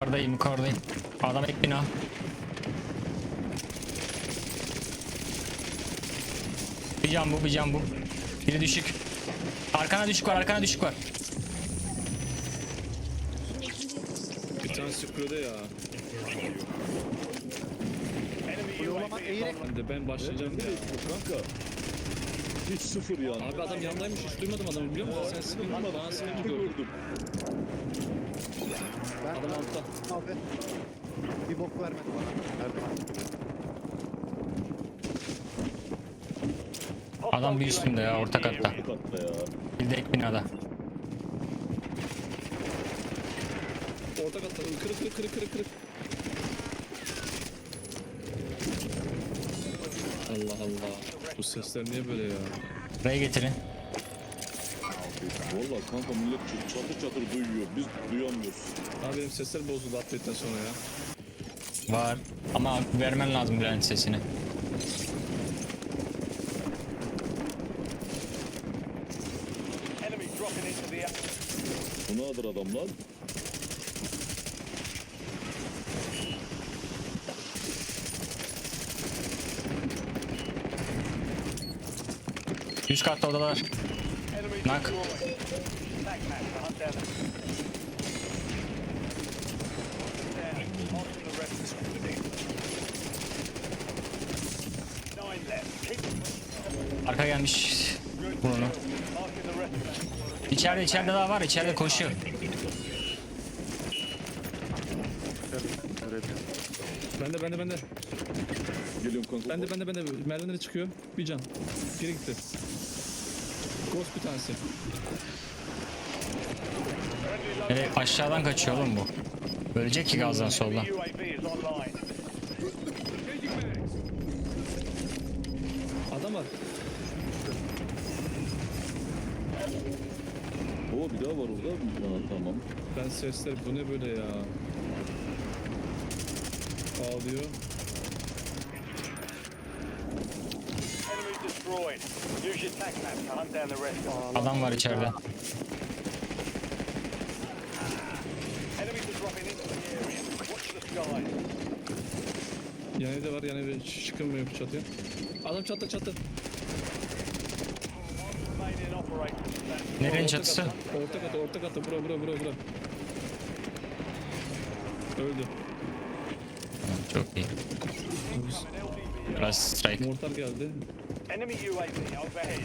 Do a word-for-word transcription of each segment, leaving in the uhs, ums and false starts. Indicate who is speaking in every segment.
Speaker 1: Yukarıdayım yukarıdayım. Adam ek bina. Bir can bu bir can bu. Biri düşük. Arkana düşük var arkana düşük var.
Speaker 2: Bir tane sıkıyordu ya. Ben de ben başlayacağım ya.
Speaker 3: Kanka. Hiç sıfır yani.
Speaker 2: Abi adam yanındaymış, hiç duymadım adamı biliyor musun? Sen sıkıntı bana sıkıntı gördüm. Adam altta.
Speaker 4: Abi. Bir bok vermedi bana. Nerede?
Speaker 1: Adam bir üstünde ya orta katta.
Speaker 3: Katta ya.
Speaker 1: Bir de ek binada.
Speaker 2: Orta katta kırık kırık kırık kırık kırık. Allah Allah. Bu sesler niye böyle ya?
Speaker 1: Buraya getirin.
Speaker 3: Valla kanka millet çatır çatır duyuyor. Biz duyamıyoruz.
Speaker 2: Abi benim sesler bozuldu update'den sonra ya.
Speaker 1: Var. Ama vermen lazım Bülent sesini.
Speaker 3: Bu nedir adamlar?
Speaker 1: Üst katta odalar. Nak. Arka gelmiş. Bunu. İçeride içeride daha var. İçeride koşuyor.
Speaker 2: Bende bende bende.
Speaker 3: Geliyorum kanka.
Speaker 2: Bende bende bende. Merdivenlere çıkıyor. Bir can. Geri gitti. Ghost bir tanesi.
Speaker 1: Evet, aşağıdan kaçıyor oğlum bu. Ölecek ki gazdan soldan.
Speaker 2: Adam var.
Speaker 3: Oo bir daha var orada. Ha, tamam.
Speaker 2: Ben sesler bu ne böyle ya? Ağlıyor.
Speaker 1: Adam var içeride.
Speaker 2: Yan evde var, yan evde çıkılmıyor bu çatıya. Adam çatla çatla.
Speaker 1: Nerenin
Speaker 2: Orta
Speaker 1: çatısı?
Speaker 2: katta, Orta kata, orta kata, bura bura bura bura. Öldü.
Speaker 1: Çok iyi. Biraz strike.
Speaker 2: Mortar geldi.
Speaker 5: Enemy U A V overhead.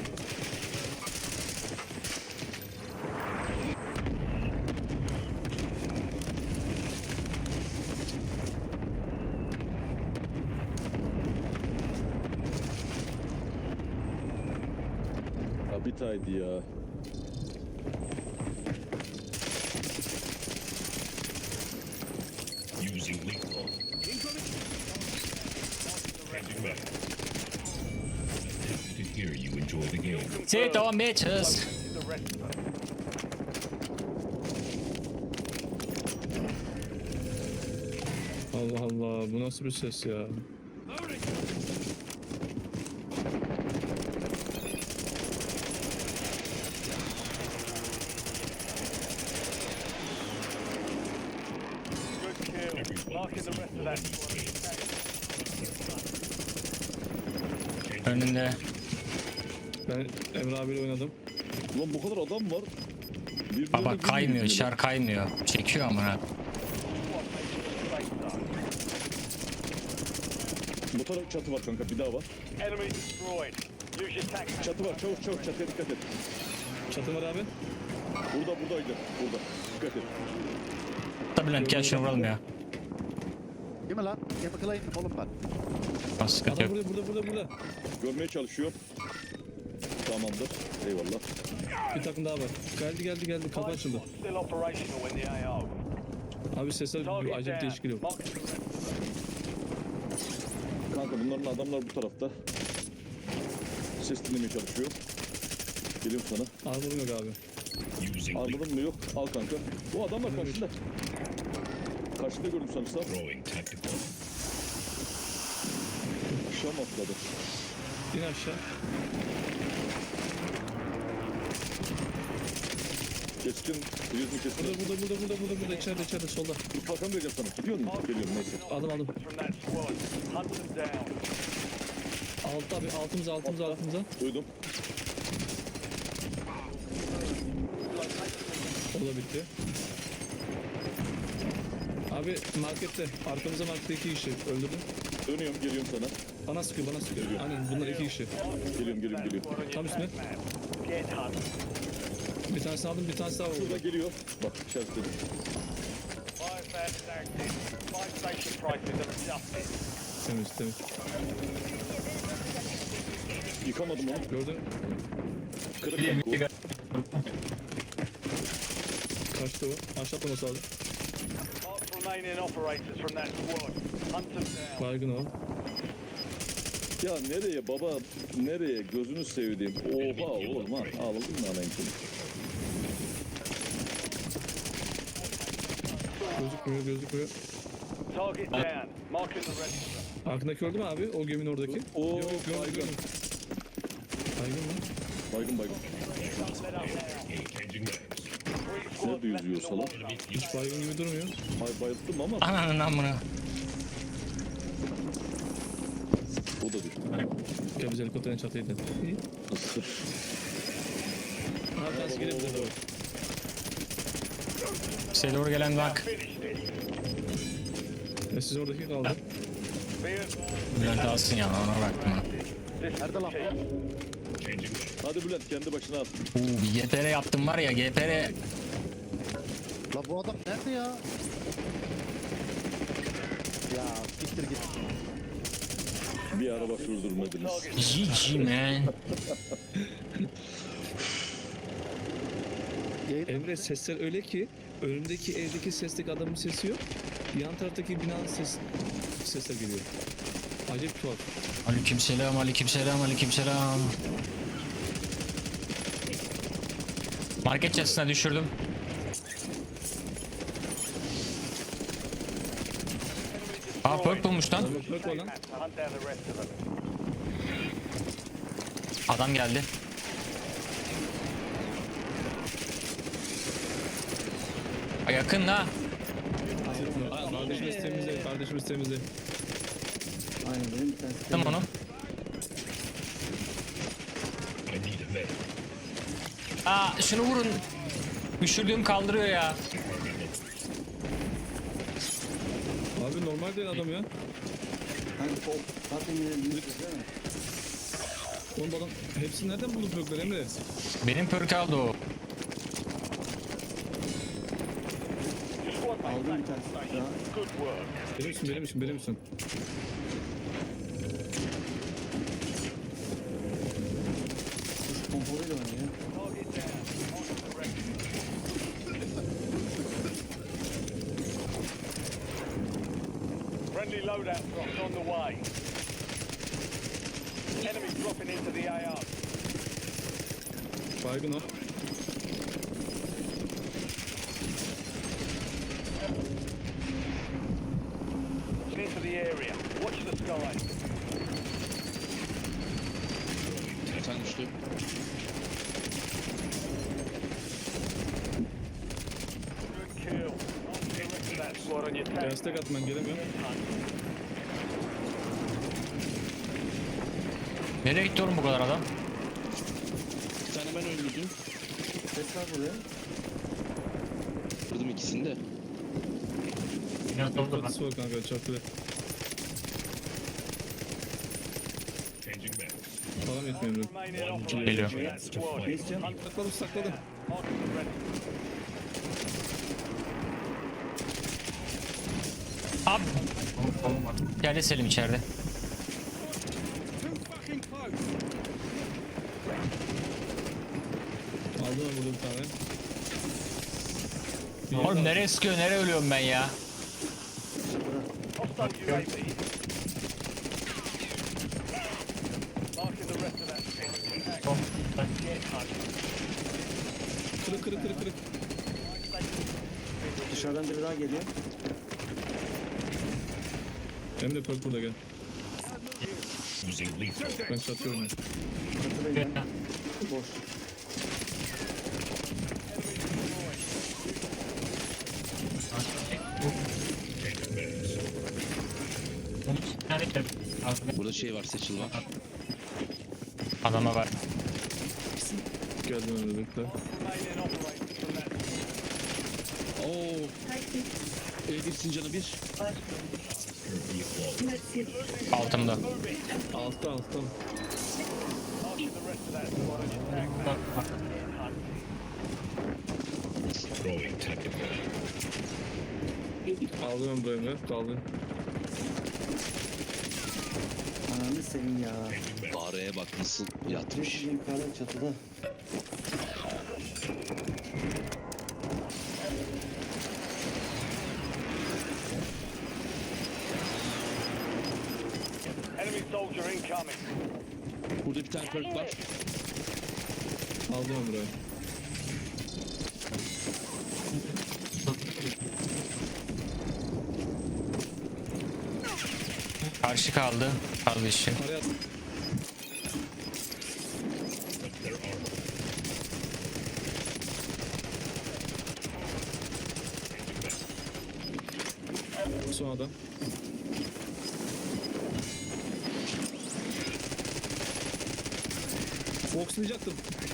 Speaker 3: Ya bir taydı ya.
Speaker 6: Using lethal. To hear you enjoy the game.
Speaker 1: Sit on bitches.
Speaker 5: The rest of them.
Speaker 2: Allah Allah, bu nasıl bir ses ya?
Speaker 5: Good kill. Marking the rest of that squad.
Speaker 1: Önünde.
Speaker 2: Ben Emre abiyle oynadım.
Speaker 3: Ulan bu kadar adam var. Birbirine
Speaker 1: Baba
Speaker 3: girmiyor
Speaker 1: kaymıyor,
Speaker 3: birbirine.
Speaker 1: şar kaymıyor. Çekiyor amına.
Speaker 3: Bu taraf çatı var kanka bir daha var.
Speaker 5: Enemy destroyed. Use your tac.
Speaker 3: Çatı var çabuk çabuk çatıya dikkat et.
Speaker 2: Çatı var abi.
Speaker 3: Burada buradaydı. Burada. Dikkat et.
Speaker 1: Da Bülent gel şunu vuralım ya.
Speaker 4: Değil mi lan? Chemical'a indim oğlum ben.
Speaker 1: Az sıkıntı
Speaker 2: Adam
Speaker 1: yok.
Speaker 2: burada burada burada burada.
Speaker 3: Görmeye çalışıyor. Tamamdır. Eyvallah.
Speaker 2: Bir takım daha var. Geldi geldi geldi kapı açıldı.
Speaker 5: Still operational in the A O.
Speaker 2: Abi sesler
Speaker 5: Target
Speaker 2: acayip değişik
Speaker 5: down.
Speaker 2: geliyor.
Speaker 5: Mark the rest.
Speaker 3: Kanka bunların adamlar bu tarafta. Ses dinlemeye çalışıyor. Geliyorum sana.
Speaker 2: Armorum yok abi.
Speaker 6: Using lethal.
Speaker 3: Armadın mı yok? Al kanka. Bu adam var karşında. Karşıda gördüm sanırsam.
Speaker 6: Throwing tactical.
Speaker 3: Şam atladı.
Speaker 2: İn aşağı.
Speaker 3: Keskin. Yüzünü keskin.
Speaker 2: Burada burada burada burada burada burada içeride içeride solda.
Speaker 3: Dur kalkan vereceğim sana. Gidiyor musun? Geliyorum neyse.
Speaker 2: Aldım aldım.
Speaker 5: From that squad. Hunt them down.
Speaker 2: Alt abi altımıza altımıza altımıza.
Speaker 3: Duydum.
Speaker 2: O da bitti. Abi markette. Arkamıza markette iki kişi. Öldürdüm.
Speaker 3: Dönüyorum geliyorum sana.
Speaker 2: Bana sıkıyor bana sıkıyor. Aynen bunlar iki kişi.
Speaker 3: Geliyorum geliyorum geliyorum.
Speaker 5: Squad on your
Speaker 2: Tam üstüne.
Speaker 5: attack map. Get hunt.
Speaker 2: Bir tanesi aldım bir tanesi daha vurdu.
Speaker 3: Şurada geliyor. Bak işaretledim.
Speaker 5: Fire fast is active. Fire station prices are adjusted.
Speaker 2: Temiz temiz.
Speaker 3: Yıkamadım onu.
Speaker 2: Gördün.
Speaker 3: Kırık bak bu.
Speaker 2: Kaçtı o. Aşağı atlaması lazım.
Speaker 5: Mark remaining operators from that squad. Hunt them down.
Speaker 2: Baygın o.
Speaker 3: Ya nereye baba? Nereye? Gözünü sevdiğim. Oha oğlum ha. Ağladın mı anayım seni?
Speaker 2: Gözükmüyor gözükmüyor.
Speaker 5: Target down. Marking the rest of them.
Speaker 2: Arkındaki öldü mü abi? O geminin oradaki.
Speaker 3: Oo,
Speaker 2: Yok yok gördüm
Speaker 3: baygın.
Speaker 2: gördüm. Baygın mı?
Speaker 3: Baygın baygın.
Speaker 5: Let up now.
Speaker 6: Changing mags.
Speaker 5: Three squads
Speaker 3: Nerede
Speaker 5: left
Speaker 3: yüzüyor
Speaker 5: in the
Speaker 3: salak?
Speaker 5: lockdown.
Speaker 2: Hiç baygın gibi durmuyor.
Speaker 3: Bay bayılttım ama
Speaker 1: Ananın amına.
Speaker 3: o da değil.
Speaker 2: Gel biz helikopterin çatıydı. İyi. Abi tanesi gelebilir doğru.
Speaker 1: Size doğru gelen bak.
Speaker 5: Finished it.
Speaker 2: Ya siz oradaki kaldı.
Speaker 5: Be advised.
Speaker 1: Bülent alsın ya ona bıraktım ha.
Speaker 5: This
Speaker 4: Nerede lan?
Speaker 6: Changing mags.
Speaker 3: Hadi Bülent kendi başına al.
Speaker 1: Uuu bir G P R yaptım var ya G P R.
Speaker 4: La bu adam nerede ya? Ya siktir git.
Speaker 3: Bir araba sürdürmediniz.
Speaker 1: G G man.
Speaker 2: Emre sesler öyle ki önümdeki evdeki sesteki adamın sesi yok. Yan taraftaki binanın ses sesler geliyor. Acayip tuhaf.
Speaker 1: Aleykümselam aleykümselam aleykümselam. Market çatısına düşürdüm. Aa perk bulmuş lan.
Speaker 2: Bak bak o lan.
Speaker 5: to hunt down the rest of them.
Speaker 1: Adam geldi. Aa, yakın ha.
Speaker 2: Aa, Kardeşimiz temizle, kardeşimiz temizle.
Speaker 1: Tamam onu.
Speaker 6: I need a med.
Speaker 1: Aa şunu vurun. Düşürdüğüm kaldırıyor ya.
Speaker 2: Abi normal değil adam ya. Oğlum bu adam hepsini nereden buldu perkler Emre?
Speaker 1: Benim perk aldı o.
Speaker 5: Squad mate, station. Good work.
Speaker 2: Benim misin benim misin benim misin?
Speaker 5: Target down. Marking the rest of them. Friendly loadout drops on the way. Enemy dropping into the A R.
Speaker 2: Baygın o.
Speaker 5: Into the area. Watch the sky.
Speaker 7: Sen düştü.
Speaker 5: Good kill. Marking the rest of that squad on your tag.
Speaker 2: Destek at ben gelemiyorum.
Speaker 1: Nereye gitti oğlum bu kadar adam?
Speaker 7: Bir tane ben öldürdüm. Ses var buraya. Vurdum ikisini de.
Speaker 2: Çatısı var kanka çatıda.
Speaker 6: Changing mags.
Speaker 2: Falan yetmiyor Emre.
Speaker 5: Remaining operators
Speaker 1: Geliyor.
Speaker 5: from that squad.
Speaker 2: Sakladım sakladım.
Speaker 5: Marking the rest.
Speaker 1: Abi. Geldi Selim içeride.
Speaker 2: Aldım ben burada bir tane. Bir
Speaker 1: Oğlum
Speaker 2: yerden-
Speaker 1: nereye sıkıyor nereye ölüyorum ben ya?
Speaker 5: Hostile U A V. Marking the rest of that squad. Get hunt.
Speaker 2: Kırık kırık kırık kırık.
Speaker 8: Dışarıdan biri daha geliyor.
Speaker 2: Emre perk burada gel.
Speaker 6: Using lethal.
Speaker 2: Ben çatıyorum ya.
Speaker 8: Çatıdayım ben. Boş.
Speaker 7: Burada şey var, seçil var.
Speaker 1: Adama var.
Speaker 2: Geldim önümüzde.
Speaker 5: Remaining operators from that
Speaker 7: Oo. E bir Sincan'a bir.
Speaker 6: Currently flawless.
Speaker 1: Altımda.
Speaker 2: Altta altta.
Speaker 5: marking the rest of that squad as your tag mate.
Speaker 6: Throwing tactical.
Speaker 2: Aldım Emre'yle. Kaldı.
Speaker 8: Ananı seveyim ya.
Speaker 7: Araya bak nasıl yatmış.
Speaker 8: Yukarıda çatıda.
Speaker 5: Enemy soldier incoming.
Speaker 7: Burada bir tane perk var.
Speaker 2: Aldım Emre'yi.
Speaker 1: Karşı kaldı. Kaldı işi.
Speaker 2: Paraya at.
Speaker 6: Their armor.
Speaker 2: Son adam. Foxlayacaktım.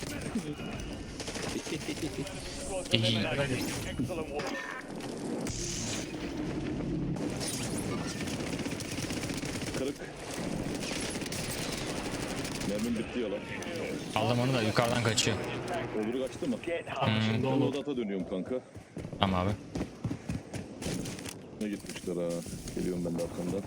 Speaker 5: Squad's
Speaker 1: İyi.
Speaker 5: eliminated. Excellent work.
Speaker 3: Kırık. Mermim bitti ya lan.
Speaker 1: Aldım onu da yukarıdan kaçıyor.
Speaker 3: Öbürü kaçtı mı?
Speaker 5: Get home.
Speaker 3: Ben odata dönüyorum kanka.
Speaker 1: Tamam abi.
Speaker 3: Ne gitmişler ha. Geliyorum ben de arkamdan.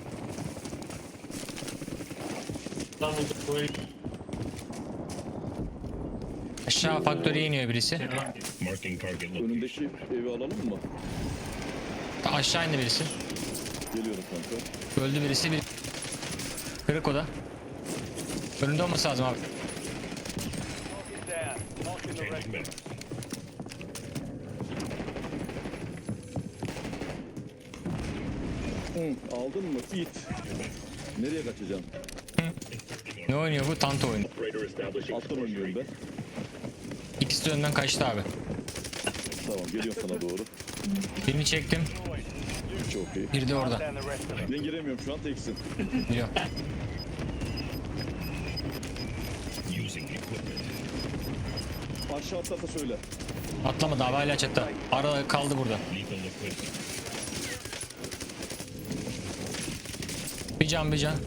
Speaker 1: Aşağı faktöriye iniyor birisi.
Speaker 6: Marking target location.
Speaker 3: Önündeki evi alalım mı?
Speaker 1: Aşağı indi birisi.
Speaker 3: Geliyorum kanka.
Speaker 1: Öldü birisi. Bir... Kırık o da. Önünde olması lazım abi.
Speaker 5: Get down. Marking the rest.
Speaker 6: Changing mag.
Speaker 3: Hı, aldın mı? İt. Nereye kaçacaksın?
Speaker 1: Ne oynuyor bu? Tanto oyunu.
Speaker 6: Operator establishing
Speaker 3: Alttan oynuyorum ben.
Speaker 1: İkisi de önden kaçtı abi.
Speaker 3: Tamam geliyorum sana doğru.
Speaker 1: Birini çektim.
Speaker 3: Çok iyi.
Speaker 1: Biri de orada.
Speaker 5: Down the rest of them.
Speaker 3: Ben giremiyorum şu an teksin.
Speaker 1: Biliyorum.
Speaker 6: using equipment.
Speaker 3: Aşağı atlarsa söyle.
Speaker 1: Atlamadı abi, hala çatta. Arada kaldı burada.
Speaker 6: Lethal equipment.
Speaker 1: Bir can bir can.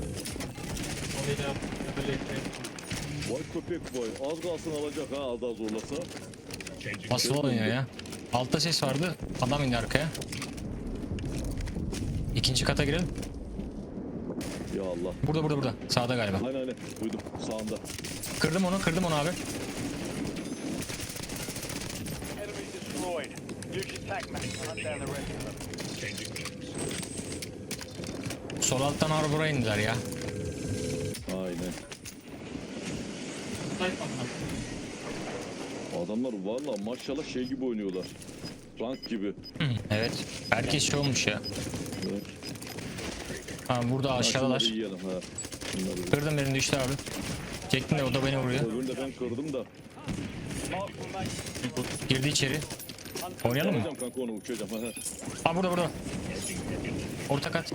Speaker 3: Vay köpek vay. Az kalsın alacak ha az daha zorlasa.
Speaker 6: Changing
Speaker 1: Nasıl oynuyor ya? Altta ses vardı. Adam indi arkaya. İkinci kata girelim.
Speaker 3: Ya Allah.
Speaker 1: Burada burada burada. Sağda galiba.
Speaker 3: Aynen aynen. Duydum. Sağında.
Speaker 1: Kırdım onu, kırdım onu abi.
Speaker 5: Enemy destroyed. Use your tag mate to hunt down the rest of them.
Speaker 6: Changing mags.
Speaker 1: Sol alttan arbora indiler ya.
Speaker 3: Aynen. Adamlar valla maşallah şey gibi oynuyorlar. Rank gibi.
Speaker 1: Hı, evet. Herkes şey olmuş ya.
Speaker 3: Evet.
Speaker 1: Ha, burada
Speaker 3: Ha,
Speaker 1: aşağıdalar.
Speaker 3: şunları yiyelim ha. Şunları.
Speaker 1: Kırdım birini, düştü abi. Çektim de o da beni vuruyor.
Speaker 3: Öbürünü de ben kırdım da.
Speaker 5: Mark remains.
Speaker 1: Girdi içeri. Oynayalım mı?
Speaker 3: Alacağım kanka onu uçacağım. Ha, ha.
Speaker 1: Ha burada burada. Orta kat.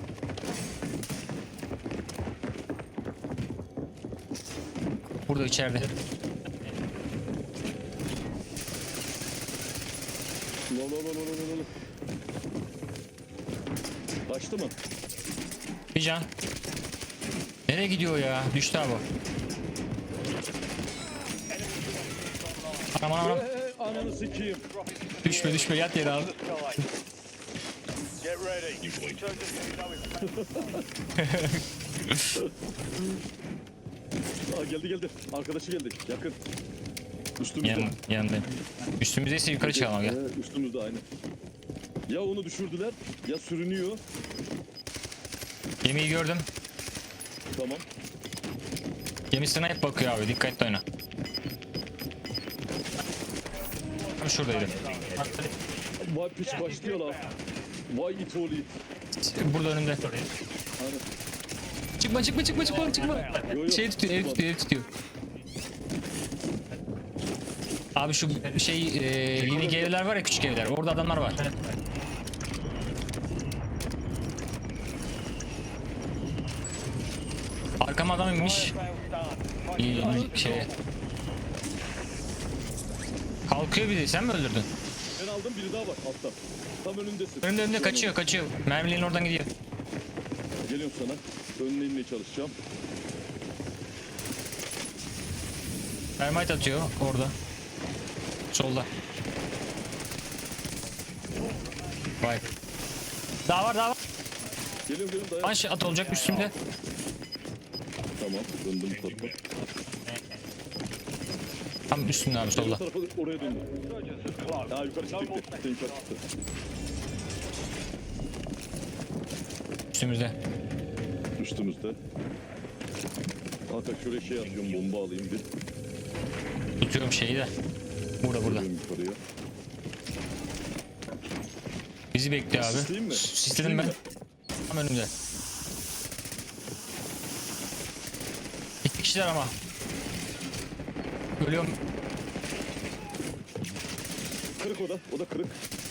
Speaker 1: Burada içeride.
Speaker 3: Lo lo lo lo lo lo lo. Kaçtı mı?
Speaker 1: Bir can. Nereye gidiyor ya? Düştü abi. Anam anam anam.
Speaker 3: Ee, ananı sikeyim.
Speaker 1: Düşme düşme, yat yere abi.
Speaker 5: Sky. Get ready. Return to
Speaker 3: Aa, geldi geldi. Arkadaşı geldi. Yakın. Üstümüzde.
Speaker 1: Yan, yanındayım. Üstümüzdeyse yukarı çıkalım abi, gel.
Speaker 3: Ee, üstümüzde aynı. Ya onu düşürdüler ya sürünüyor.
Speaker 1: Gemiyi gördüm.
Speaker 3: Tamam.
Speaker 1: Gemi snipe bakıyor abi, dikkatli oyna. Tam şuradaydı.
Speaker 3: Vay piç başlıyor lan. Vay it oğlu it.
Speaker 1: Burada önümde.
Speaker 3: Hani.
Speaker 1: Çıkma çıkma çıkma çıkma çıkma.
Speaker 3: Yo, yo.
Speaker 1: Şey tutuyor, ev tutuyor, ev tutuyor. Abi şu şey e, living evler var ya, küçük evler. Orada adamlar var. Arkama adam inmiş.
Speaker 5: Fire sale's done.
Speaker 1: İyi, iyi şey. Kalkıyor bir de, sen mi öldürdün?
Speaker 3: Ben aldım, biri daha var altta. Tam önündesin.
Speaker 1: Önünde önünde kaçıyor kaçıyor. Mermilerin oradan gidiyor.
Speaker 3: Geliyorum sana. Önüne inmeye çalışacağım.
Speaker 1: Termite atıyor orada. Solda. Vay. Daha var daha var.
Speaker 3: Geliyorum geliyorum dayan.
Speaker 1: Punch at olacak üstümde.
Speaker 3: Tamam döndüm bu tarafa.
Speaker 1: Tam üstünde abi
Speaker 3: Bu
Speaker 1: solda.
Speaker 3: tarafa oraya döndüm.
Speaker 5: Insurgents have closed.
Speaker 3: Aa yukarı çıktı.
Speaker 5: No more
Speaker 3: gitti. Yukarı çıktı.
Speaker 1: Üstümüzde.
Speaker 3: Üstümüzde. Hakan şöyle şey atıyorum, bomba alayım bir.
Speaker 1: Tutuyorum şeyi de. Burada burada.
Speaker 3: Geliyorum yukarıya.
Speaker 1: Bizi bekliyor abi.
Speaker 3: Sisleyeyim mi?
Speaker 1: Sisledim ben. Tam önümde. İki kişiler ama. Ölüyorum.
Speaker 3: Kırık o da. O da kırık.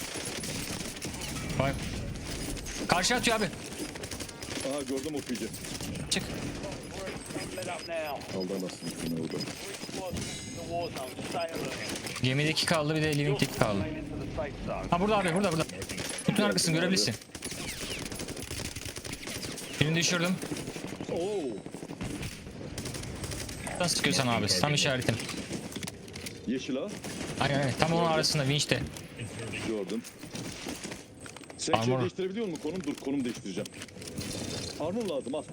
Speaker 1: Vay. Karşı atıyor abi.
Speaker 3: Aha gördüm okuyucu.
Speaker 1: Çık.
Speaker 5: Lit up now.
Speaker 3: Aldı anasını şimdi orada.
Speaker 5: Three squads in the war zone. Stay alert.
Speaker 1: Gemideki kaldı, bir de living'deki kaldı.
Speaker 5: Remain into the safe zone.
Speaker 1: Ha burada abi, burada burada. Bütün arkasını görebilirsin. Birini düşürdüm.
Speaker 3: Oo.
Speaker 1: Nasıl sıkıyorsan abi, tam işaretim.
Speaker 3: Yeşil ha.
Speaker 1: Aynen aynen, tam onun arasında vinçte.
Speaker 3: Gördüm. Sen
Speaker 1: Armor.
Speaker 3: şey değiştirebiliyor musun? Konum dur, konum değiştireceğim. Armor lazım al.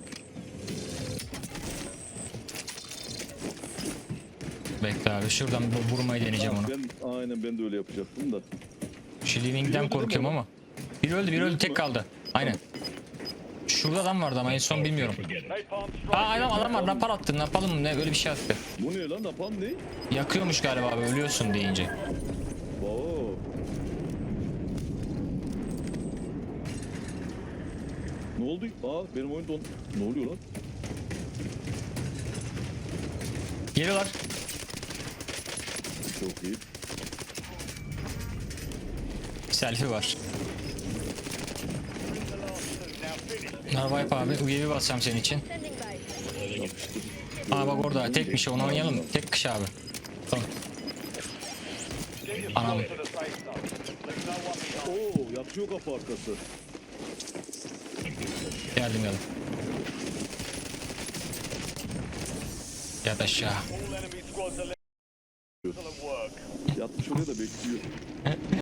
Speaker 1: Bekle abi, şuradan bu- vurmayı deneyeceğim onu.
Speaker 3: Ben, aynen ben de öyle yapacaktım da.
Speaker 1: Şu living'den korkuyorum ama. Biri öldü, biri öldü, tek kaldı. Aynen. Şurada adam vardı ama en son bilmiyorum.
Speaker 6: Forget it.
Speaker 5: Napalm
Speaker 1: Aa
Speaker 5: strike.
Speaker 1: adam, adam var, napal attı, napalım mı ne, böyle bir şey attı.
Speaker 3: Bu ne lan? Napalm ne?
Speaker 1: Yakıyormuş galiba abi, ölüyorsun deyince.
Speaker 3: Oo. Ne oldu? Aa benim oyun don... Ne oluyor lan?
Speaker 1: Geliyorlar.
Speaker 3: Çok iyi.
Speaker 1: Selfie var.
Speaker 5: Now finish.
Speaker 1: Bunlar wipe abi, U A V basacağım senin için.
Speaker 3: Yapıştır.
Speaker 1: Aa bak orada, tekmiş o, onu oynayalım. Tek kış abi. Tamam.
Speaker 5: Get your
Speaker 1: Anam.
Speaker 5: squad to the safe zone. Leave no one behind.
Speaker 3: Oo yatıyor kapı arkası.
Speaker 1: Geldim geldim. Yat aşağı.
Speaker 5: All enemy squads are left. Excellent work.
Speaker 3: Yatmış oraya da bekliyor.